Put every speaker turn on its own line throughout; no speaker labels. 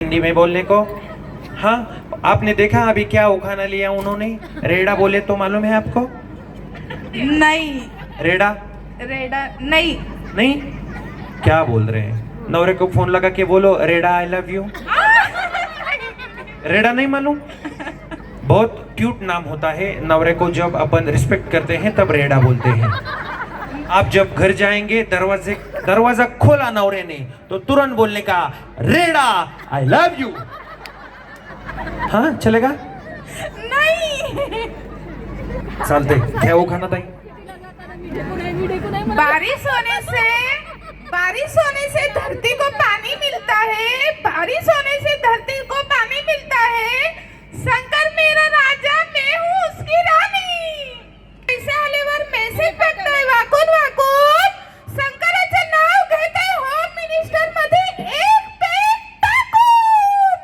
हिंदी में बोलने को। हाँ, आपने देखा अभी क्या उखाना लिया उन्होंने? रेड़ा बोले तो मालूम है आपको?
नहीं।
रेड़ा
रेडा नहीं।
नहीं, क्या बोल रहे हैं? नवरे को फोन लगा के बोलो रेड़ा आई लव यू। रेड़ा नहीं मालूम? बहुत क्यूट नाम होता है, नवरे को जब अपन रिस्पेक्ट करते हैं तब रेड़ा बोलते हैं। आप जब घर जाएंगे दरवाजा खोला नवरे ने तो तुरंत बोलने का रेड़ा आई लव यू। हाँ चलेगा?
नहीं।
चालते, घ्या वो खाना ताई।
बारिश होने से धरती को पानी मिलता है, बारिश होने से धरती को पानी मिलता है। शंकर मेरा राजा, मैं हूँ उसकी राणी। पैसे आल्यावर मेसेज टाकताय वाकून वाकून. शंकराचं नाव घेताय होम मिनिस्टर मध्ये एक पेट टाकून.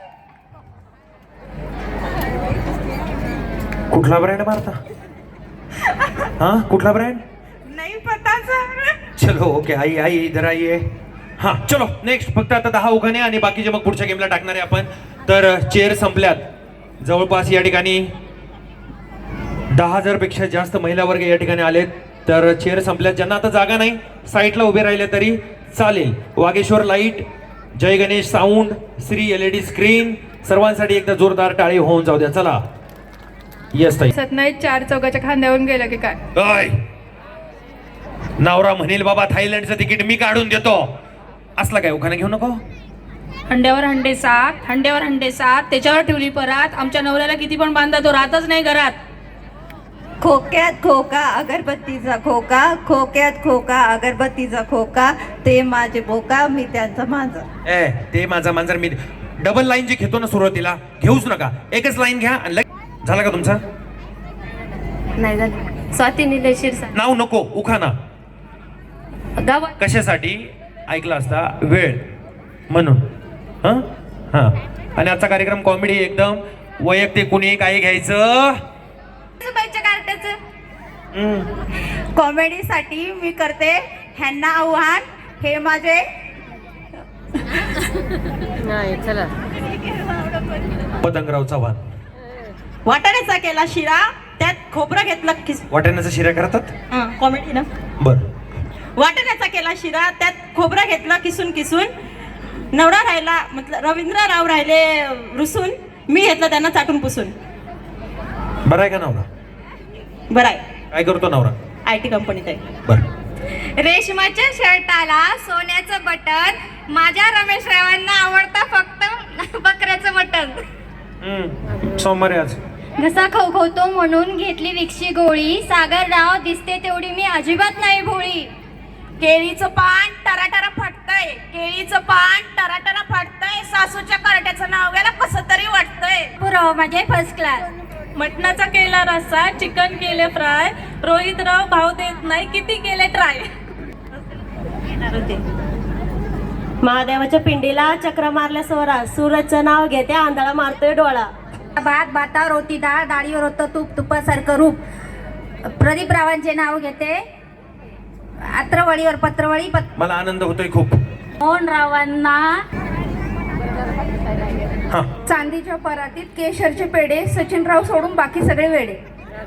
कुठला ब्रँड मारता? हाँ कुठला ब्रँड?
नहीं पता सर.
चलो ओके, आई आई इधर आइए. हा चलो नेक्स्ट. फक्त आता 10 उखाणे आणि बाकीचे मग पुढच्या गेमला टाकणार आहे आपण. तर चेअर संपल्यात. जवळपास या ठिकाणी 10,000 पेक्षा जास्त महिला वर्ग या ठिकाणी आलेत. तर चेअर संपल्यात. ज्यांना आता जागा नाही साईटला उभे राहिले तरी चालेल. Vageshwar light, Jai Ganesh sound, Shri LED screen, सर्वांसाठी एकदा जोरदार टाळी होऊन जाऊ द्या. चला. येस ताई.
सतनाई 4 चौकाच्या खांद्यावरून गेलं की काय?
ओय, नवरा म्हणेल बाबा थायलंडचं तिकीट मी काढून देतो, असला काय उखाणा घेऊ नको.
हंड्यावर हंडे सात, हंड्यावर हंडे सात, त्याच्यावर ठेवली परात. आमच्या नवऱ्याला किती पण बांधा तो राहतच नाही घरात.
खोक्यात खोका अगरबत्तीचा खोका, खोक्यात खोका अगरबत्तीचा खोका, ते माझे बोका मी त्यांचा मांजर.
ए ते माझा मांजर मी. डबल लाईन जी घेतो ना सुरुवातीला घेऊच नका, एकच लाईन घ्या. झाला का तुमचा?
नाही झालं. स्वाती निलेश शिरसा.
नाव नको, उखाणा.
गावात
कशासाठी ऐकला असता? वेळ म्हणून. हां हां. आणि आजचा कार्यक्रम कॉमेडी एकदम वैयक्तिक, कुणी काही घ्यायचं.
कॉमेडीसाठी मी करते ह्यांना आव्हान, हे माझे
पतंगराव चव्हाण.
वाटाण्याचा केला शिरा, त्यात खोबरं घेतलं
वाटाण्याचा शिरा करतात.
कॉमेडी ना.
बर.
वाटाण्याचा केला शिरा, त्यात खोबरं घेतलं किसून किसून. नवरा राहिला मतलब रवींद्रराव राहिले रुसून, मी घेतलं त्यांना चाटून पुसून.
बरं आहे का नवरा?
बरं आहे.
काय करतो नवरा?
IT कंपनीत आहे.
बर.
रेशमाच्या शर्टाला सोन्याचं बटन, माझ्या रमेश रावांना आवडतं फक्त बकऱ्याचं मटन.
सोमवारी आज
घसा खवखवतो म्हणून घेतली विक्शी गोळी, सागरराव दिसते तेवढी मी अजिबात नाही भोळी.
केळीचं पान टराटरा फाटतंय, केळीचं पान टराटरा फाटतंय, सासूच्या करट्याचं नाव घ्यायला कसं तरी वाटतंय.
पुराव माझे फर्स्ट क्लास.
मटणाचा केला रस्सा, चिकन केले फ्राय, रोहितराव भाव देत नाही किती केले ट्राय.
महादेवाच्या पिंडीला चक्र मारल्या स्वरा, सूरजचं नाव घेते आंधळा मारतोय डोळा.
भात भातावर होती डाळ, डाळीवर होतं तूप, तुपासारखं रूप. प्रदीप रावांचे नाव घेते, आत्रवळीवर पत्रवळी.
मला आनंद होतोय खूप.
मोहन रावांना
हा.
चांदीच्या परातीत केशरचे पेढे, सचिनराव सोडून बाकी सगळे वेडे.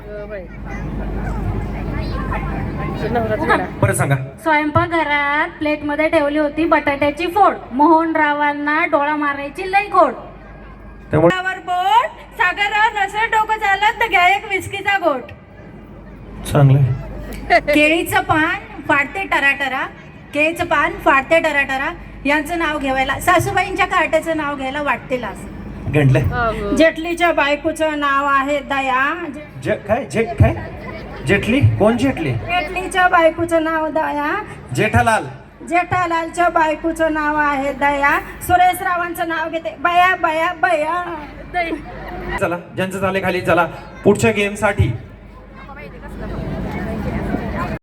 बरं सांगा.
स्वयंपाकघरात प्लेटमध्ये ठेवली होती बटाट्याची फोड, मोहन रावांना डोळा मारायची लई खोड.
त्यामुळे
बोट सागरराव नसेल डोकं झालं तर घ्या एक विस्कीचा गोट.
चांगलं.
केळीचं पान फाडते टराटरा, केळीचं पान फाडते टराटरा, यांचं नाव घ्यायला सासूबाईंच्या कार्ट्याचं नाव घ्यायला वाटते लास.
गंडलं.
जेटलीच्या बायकोचं नाव आहे दया.
काय जेटली? कोण जेटली?
जेटलीच्या बायकोचं नाव दया.
जेठालाल.
जेठालालच्या बायकोचं नाव आहे दया. सुरेश रावांचं नाव घेते बया बया बया.
चला ज्यांचं झाले खाली. चला पुढच्या गेम साठी